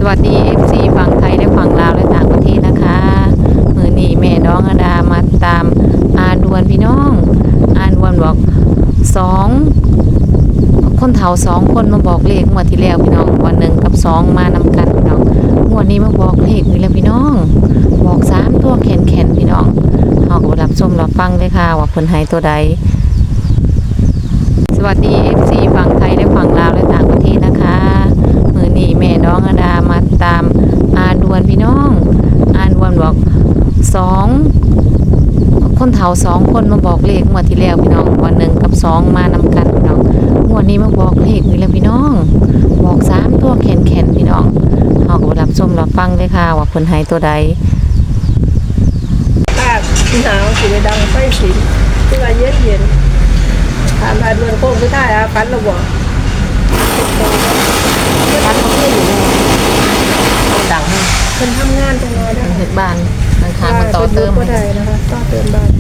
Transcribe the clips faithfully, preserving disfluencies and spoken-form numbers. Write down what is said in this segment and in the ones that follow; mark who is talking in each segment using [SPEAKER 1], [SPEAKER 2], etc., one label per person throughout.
[SPEAKER 1] วัสดี เอฟ ซี ฝั่งไทยและฝั่งลาวและต่างประเทศนะคะมือนี้แม่น้องอดามาตามอาดวนพี่น้องอาดวนบอกสองคนเฒ่าสองคนมาบอกเลขงวดที่แล้วพี่น้องวันหนึ่งกับสองมานำกันพี่น้องงวดนี้มาบอกเลขนี่แล้วพี่น้องบอกสามตัวแขนแขนพี่น้องเฮาก็รับชมรับฟังเลยค่ะว่าเพิ่นให้ตัวใดสวัสดี เอฟ ซี ฝั่งไทยและฝั่งลาวและต่างประเทศนะคะมือนี้แม่น้องอดามาตามอาดวนพี่น้องอาดวนบอกสองคนเฒ่าสองคนมาบอกเลขงวดที่แล้วพี่น้องวันหนึ่งกับสองมานำกันพี่น้องงวดนี้มาบอกเลขนี่แล้วพี่น้องบอกสามตัวแขนแขนพี่น้องเฮาก็รับชมรับฟังเลยค่ะว่าเพิ่นให้ตัวใด
[SPEAKER 2] อากาศหนาวสิไปดังไฟสิที่ว่าเย็นเย็นถามอาดวนโค้งคือท่ายอาฟันระบอกฟันเขาขึ้นอยู่เลยดังเพิ่นทำงานจังเลยได้
[SPEAKER 1] เฮ็ดบ้านทางทางมาต่อเติม
[SPEAKER 2] ก็ได้นะคะต่อเติมบ้าน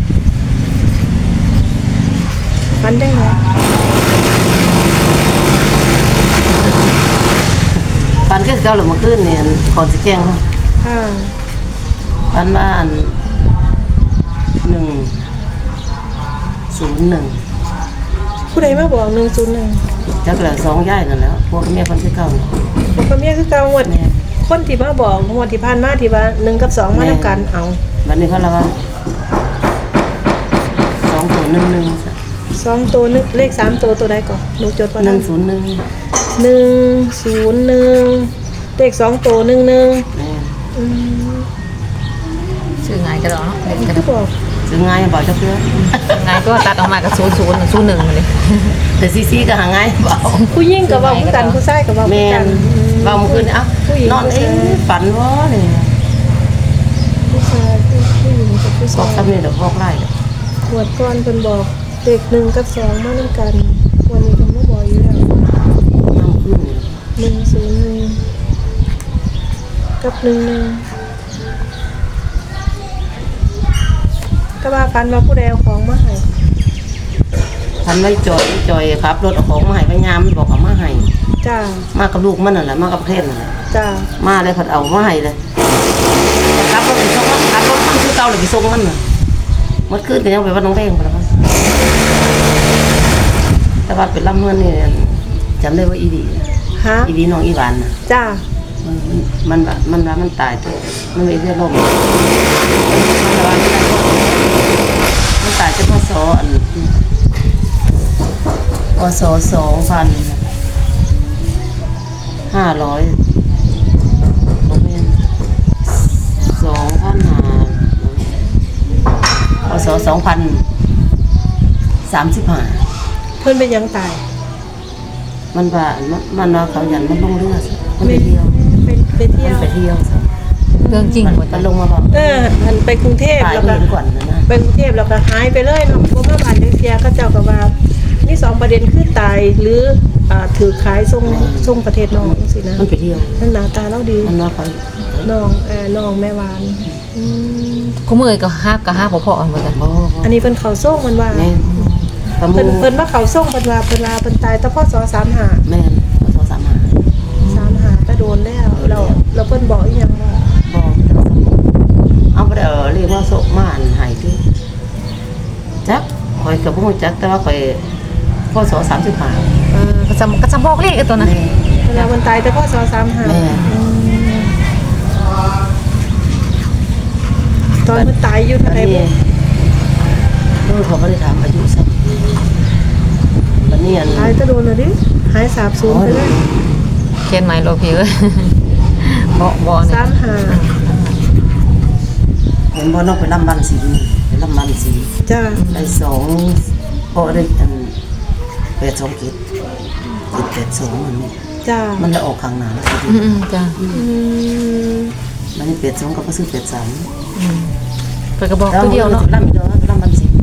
[SPEAKER 2] ฟันได้ไหม
[SPEAKER 3] ฟันก็เก่าหรือมาขึ้นเนี่ยขอสิแกง
[SPEAKER 2] ค่ะ
[SPEAKER 3] ฟันมาอันหนึ่งศูนย์หนึ่ง
[SPEAKER 2] ผู้ใดมาบอกหนึ่งศูนย์หนึ่ง
[SPEAKER 3] จักเหลือสองย่ายนั่นแล้วพวกแม่คนที่เก่า
[SPEAKER 2] พวกแม่คือเก่าหมดคนที่มาบอกหมดที่ผ่านมาที่ว่าหนึ่งกับสองมาทำกันเอา
[SPEAKER 3] วันนี้เขาละว่าสองตัวหนึ่งหนึ่ง
[SPEAKER 2] สองตัวนึกเลขสามตัวตัวใดก่อนหนูจดไว้
[SPEAKER 3] หนึ่งศูนย์หนึ่ง
[SPEAKER 2] หนึ่งศูนย์หนึ่งเลขสองตัวหนึ่งหนึ่ง
[SPEAKER 1] ชื่อไงก็หรอเนาะ
[SPEAKER 2] ก็จะบอก
[SPEAKER 3] ซื้อง่ายบอกเจ้าเพื่อน
[SPEAKER 1] ไงก็ตัดออกมากับศูนย์ศูนย์ศูนย์หนึ่งเลย
[SPEAKER 3] แต่ซีซีก็หาง่ายบอก
[SPEAKER 2] ผู้ยิ่งกับว่าผู้กันผู้ชายกับว่า
[SPEAKER 3] ผู้กันว่าเมื่อคืนเอ้านอนเอ๊ะฝันว่าเนี่ย
[SPEAKER 2] ผู้ชายผู้หญิงกับผู้ชาย
[SPEAKER 3] บอกซ้ำเนี่ยเดี๋ยวบอกไล่
[SPEAKER 2] หวดก้อนเป็นบอกเด็กหนึ่งกับสองมาด้วยกันวันนี้ผมไม่บอกอยู่แล้ว
[SPEAKER 3] น้ำขึ้น
[SPEAKER 2] หนึ่งศูนย์หนึ่งกับหนึ่งหนึ่งก็ว่าฟันมาผู้ใดเอาของมาให้
[SPEAKER 3] ฟันไว้จอยจอยครับรถเอาของมาให้พยามบอกเอามาให้
[SPEAKER 2] จ้า
[SPEAKER 3] มากับลูกมันนั่นแหละมากับเพื่อนนั่นแหละ
[SPEAKER 2] จ้า
[SPEAKER 3] มาเลยเขาเอามาให้เลยครับรถไปส่งมันครับรถมันคือเก่าเลยไปส่งมันน่ะมันขึ้นแต่ยังไปวัดน้องแพงไปแล้วแต่ว่าเป็นลำเงินนี่จำได้ว่าอีดี
[SPEAKER 2] ฮะ
[SPEAKER 3] อีดีน้องอีหวานนะ
[SPEAKER 2] จ้า
[SPEAKER 3] มันมันมันมันตายตัวมันไม่ได้ลมมันตายจะพศอันพศสองพันห้าร้อยสองพันห้าพศสองพันสามสิบห้า
[SPEAKER 2] เพิ่นเป็นยังตาย
[SPEAKER 3] มันว่ามันว่าเขาหยันมันลงเรือมันไปเที่ยว
[SPEAKER 2] เป็นไปเที่ยว
[SPEAKER 3] ไปเที่ยว
[SPEAKER 1] เรื่องจริงหมด
[SPEAKER 3] มันลงมาบอก
[SPEAKER 2] เออมันไปกรุงเทพแล้วก็ไปกรุงเทพแล้วก็หายไปเลยเนาะพวกมาบ้านเสียก็เจ้าก็ว่านี่สองประเด็นคือตายหรืออ่าถือขายส่งส่งประเทศน้องสินะ
[SPEAKER 3] มันไปเที่ยว
[SPEAKER 2] นั่นหน้าตาเราดี
[SPEAKER 3] มันว่าเขา
[SPEAKER 2] น้องเออน้องแม่วานอื
[SPEAKER 1] มคู่มือก็ฮักก็ฮักพ่อๆเหมือนกัน
[SPEAKER 2] อันนี้เพิ่นเขาส่งมันว่าเพิ่นเพิ่นว่าเขาส่งเพิ่นว่าเพิ่นว่าเพิ่นตายแต่พศสามสิบห้า
[SPEAKER 3] แม่นพศสามสิบห้า
[SPEAKER 2] สามสิบห้าก็โดนแล้วเราเราเพิ่นบอกอีหยังว่า
[SPEAKER 3] บอกเอาไปเด้อเรียกว่าโศกม่านหายที่จักข่อยก็บ่ฮู้จักแต่ว่าข่อยพศสามสิบห้า
[SPEAKER 1] เออก็จะก็จะบอกเลขกันตัวนั้น
[SPEAKER 2] เวลาเพิ่นตายแต่พศสามสิบห้า
[SPEAKER 3] แม่
[SPEAKER 2] ตอนเพิ่นตายอยู่เท่าใดบ่
[SPEAKER 3] ลูกเขาบ่ได้ถามอายุซักบัดนี้อัน
[SPEAKER 2] ตายจะโดนแล้วดิหายสาบสูญไปเลย
[SPEAKER 1] เขียนใหม่โลพี่เอ้ยบ่บ่
[SPEAKER 2] เนี่ยสามสิบห้า
[SPEAKER 3] เห็นบ่น้องไปลำบันสีไปลำบันสี
[SPEAKER 2] จ้า
[SPEAKER 3] ได้สองพอได้อันแปดสองกิจกิจแปดสองมันนี่
[SPEAKER 2] จ้า
[SPEAKER 3] มันจะออกข้างหน้าแล้ว
[SPEAKER 1] อืมจ้าอื
[SPEAKER 3] มมันนี่แปดสองก็บ่ซื้อแปดสาม
[SPEAKER 1] อืมไปกระบอกตัวเดียวเนาะ
[SPEAKER 3] ลำอีกแล้วลำบันสี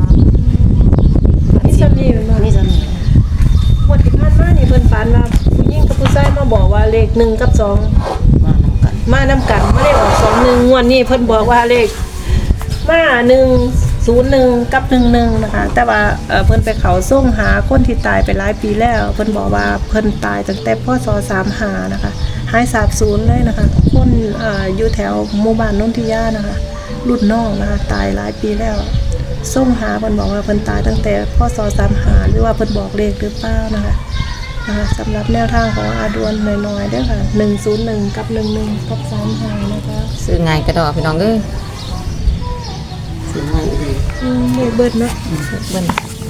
[SPEAKER 2] นี่ซ้ำนี่มัน
[SPEAKER 3] นี่ซ้ำนี่
[SPEAKER 2] หมดที่ผ่านมานี่เพิ่นฝันว่าผู้หญิงกับผู้ชายมาบอกว่าเลขหนึ่งกับสอง
[SPEAKER 3] มานำกัน
[SPEAKER 2] มานำกันไม่ได้ออกสองหนึ่งงวดนี้เพิ่นบอกว่าเลขมาหนึ่งศูนย์หนึ่งกับหนึ่งหนึ่งนะคะแต่ว่าเพิ่นไปเขาส่งหาคนที่ตายไปหลายปีแล้วเพิ่นบอกว่าเพิ่นตายตั้งแต่พศสามสิบห้านะคะหายสาบสูญเลยนะคะคนอ่าอยู่แถวหมู่บ้านนนทิยานะคะรุ่นน้องนะคะตายหลายปีแล้วส่งหาเพิ่นบอกว่าเพิ่นตายตั้งแต่พศสามสิบห้าหรือว่าเพิ่นบอกเลขหรือเปล่านะคะนะคะสำหรับแนวทางของอาดวนน้อยๆเด้อค่ะหนึ่งศูนย์หนึ่งกับหนึ่งหนึ่งกับสามห้านะคะ
[SPEAKER 1] ซื้อง่ายกระดอกพี่น้องเอ้ย
[SPEAKER 3] สิให้ดี
[SPEAKER 2] อืมเลขเบิดเนาะ
[SPEAKER 1] เบิ่น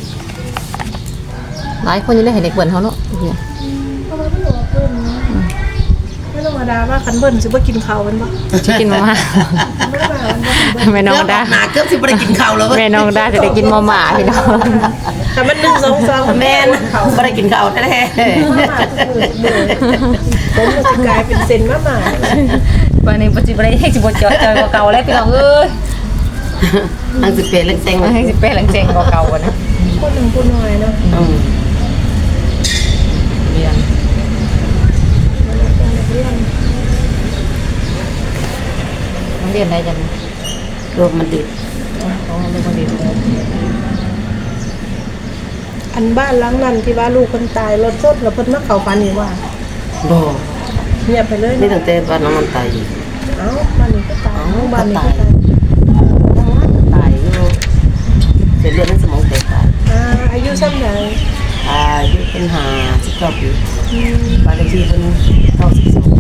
[SPEAKER 1] หลายคนยังได้เห็นเด็กเบิ่นเขาเนาะเฮีย
[SPEAKER 2] เพราะว่ามันบอกเพิ่นเนาะไม่ธรรมดาว่าคันเบิ้ลสิบ่กินข้าวมันบ่
[SPEAKER 1] จะกินมาม่า
[SPEAKER 2] ไม่ได้ว่ามันบ่คันเบิ้ล
[SPEAKER 1] แม่น้องดา
[SPEAKER 3] หนาเกือบสิบ่ได้กินข้าวแล้วเว้ย
[SPEAKER 1] แม่น้องดาจะได้กินมาม่าพี่น้อง
[SPEAKER 2] แต่มันหนึ่งสองสอง
[SPEAKER 3] แม่นบ่ได้กินข้าวแท้
[SPEAKER 2] ผมมันสิกลายเป็นเซนมาหมา
[SPEAKER 1] วันนี้ปัจจุบันให้สิบจอยจอยกว่าเก่าแล้วพี่น้องเอ้ย
[SPEAKER 3] ๆอังสิเป็นเล็กเซ็ง
[SPEAKER 1] ให้สิเป้หลังเจงกว่าเก่าอะนะ
[SPEAKER 2] คนหนึ่งคนน้อยเนาะ
[SPEAKER 3] อืม
[SPEAKER 1] เรียน
[SPEAKER 2] มันเป็นเรื่อง
[SPEAKER 1] น้องเรียนได้จัง
[SPEAKER 3] รวมมันดิบ
[SPEAKER 1] ต้องเรียนคนเรียน
[SPEAKER 2] อันบ้านหลังนั้นที่ว่าลูกคนตายรถชนแล้วเพิ่นมาเข้าฝันนี่ว่า
[SPEAKER 3] บ่
[SPEAKER 2] เงียบไปเลย
[SPEAKER 3] นี่
[SPEAKER 2] เนาะ
[SPEAKER 3] ตั้งแต่บ้านน้องมันตายอยู่
[SPEAKER 2] เอ้าบ้านนี้ก็ตายบ้านนี้ก็ตาย
[SPEAKER 3] ทั้งนั้นก็ตายอยู่เส้นเลือดในสมองแตกตาย
[SPEAKER 2] อ่าอายุซ้ำใด
[SPEAKER 3] อายุเป็นห้าสิบเก้าปี
[SPEAKER 2] อืม
[SPEAKER 3] บ้านเลขที่เป็นเก้าสิบสอง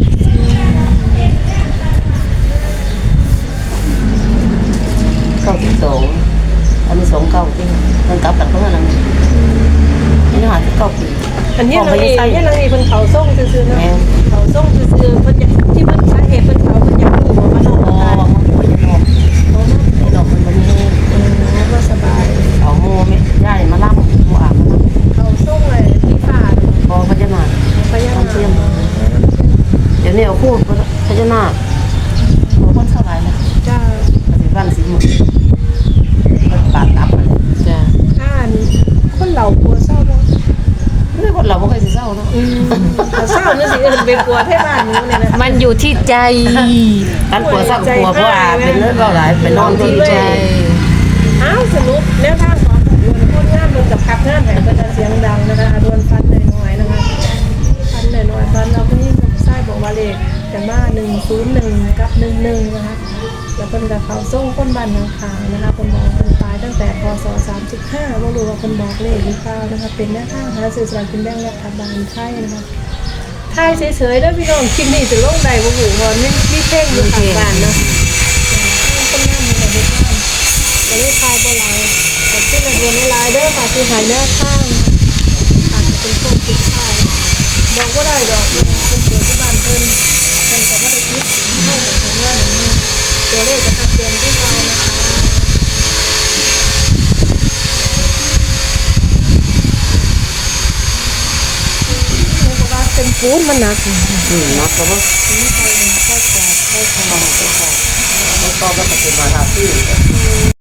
[SPEAKER 3] เก้าสิบสองอันนี้สองเก้าจริงมันกลับกันเพราะว่าอะไรนี่ห้าสิบเก้าปี
[SPEAKER 2] อันนี้นางเอกอันนี้นางเอกเพิ่นเขาส่งซื่อๆเนาะ
[SPEAKER 3] แม่
[SPEAKER 2] เขาส่งซื่อๆเพิ่นอยากที่เพิ่นสาเหตุเพิ่นเขาเพิ่นอยากรู้ว่ามันออก
[SPEAKER 3] อ๋อ
[SPEAKER 2] มาตาย
[SPEAKER 3] มันป่วยจะนอน
[SPEAKER 2] เพราะว่า
[SPEAKER 3] ไอ้ดอกมันมันนี่
[SPEAKER 2] เออก็สบาย
[SPEAKER 3] เอาโมไม่ย่ายมาล่ำโมอาบมาล่
[SPEAKER 2] เขาส่งเลยที่ฟ้า
[SPEAKER 3] ำพอพญานาค
[SPEAKER 2] พญานา
[SPEAKER 3] ทำเทียม
[SPEAKER 2] ค
[SPEAKER 3] เดี๋ยวนี้เอาคู่พญานาคโอ้คนสบายเลย
[SPEAKER 2] จ้า
[SPEAKER 3] ปฏิบัติสีหมดปากตับเลย
[SPEAKER 1] จ้ะ
[SPEAKER 2] อ่านคนเหล่ากลัวเศร้าบ่
[SPEAKER 3] นี่คนเราไม่เคยสิเศร้าเนาะ
[SPEAKER 2] อืมแต่เศร้านี่สิเอิ้นเป็นกลัวให้บ้านนี้เนี่ยนะ
[SPEAKER 1] มันอยู่ที่ใจ
[SPEAKER 3] การกลัวเศร้ากลัวเพราะว่าเป็นเรื่องเล่าหลายเป็นนอนที่
[SPEAKER 1] ใจ
[SPEAKER 2] อ้าวสรุปแนวทางของดวนคนงานมันกับพักงานแห่งเป็นเสียงดังนะคะดวนฟันน้อยๆนะคะฟันน้อยๆฟันเราก็นี่ใช่บอกว่าเลขแต่ว่าหนึ่งศูนย์หนึ่งกับหนึ่งหนึ่งนะคะแล้วเป็นกับเขาส่งคนบ้านนางขาวนะคะคนบอกคนตายตั้งแต่พศสามสิบห้าไม่รู้ว่าคนบอกเลขหรือเปล่านะคะเป็นแนวทางหาสื่อสารกินแบ่งรัฐบาลไทยนะคะไทยเฉยๆแล้วพี่น้องคลิปนี้จะลงใดบ่หูว่าไม่ไม่เพ่งอยู่ข้างบ้านเนาะคนงานมีแต่เด็กบ้านจะได้ทายบ่หลายแต่ที่ระเบียนหลายเด้อค่ะคือหายแนวข้างอาจจะเป็นพวกติดไทยบอกว่าได้ดอกเป็นเกิดที่บ้านเพิ่นเพิ่นก็บ่ได้คิดให้กับทางงานนี้ตัวเลขจะชัดเจนที่เรานะคะเพราะว่าเป็นปูนมันหนัก
[SPEAKER 3] อืมนักก็ว่า
[SPEAKER 2] นี่ใครใครจะใครจะ
[SPEAKER 3] ต้องมาเป็นต่อไม่ก็ก็จะเป็นมาทาที่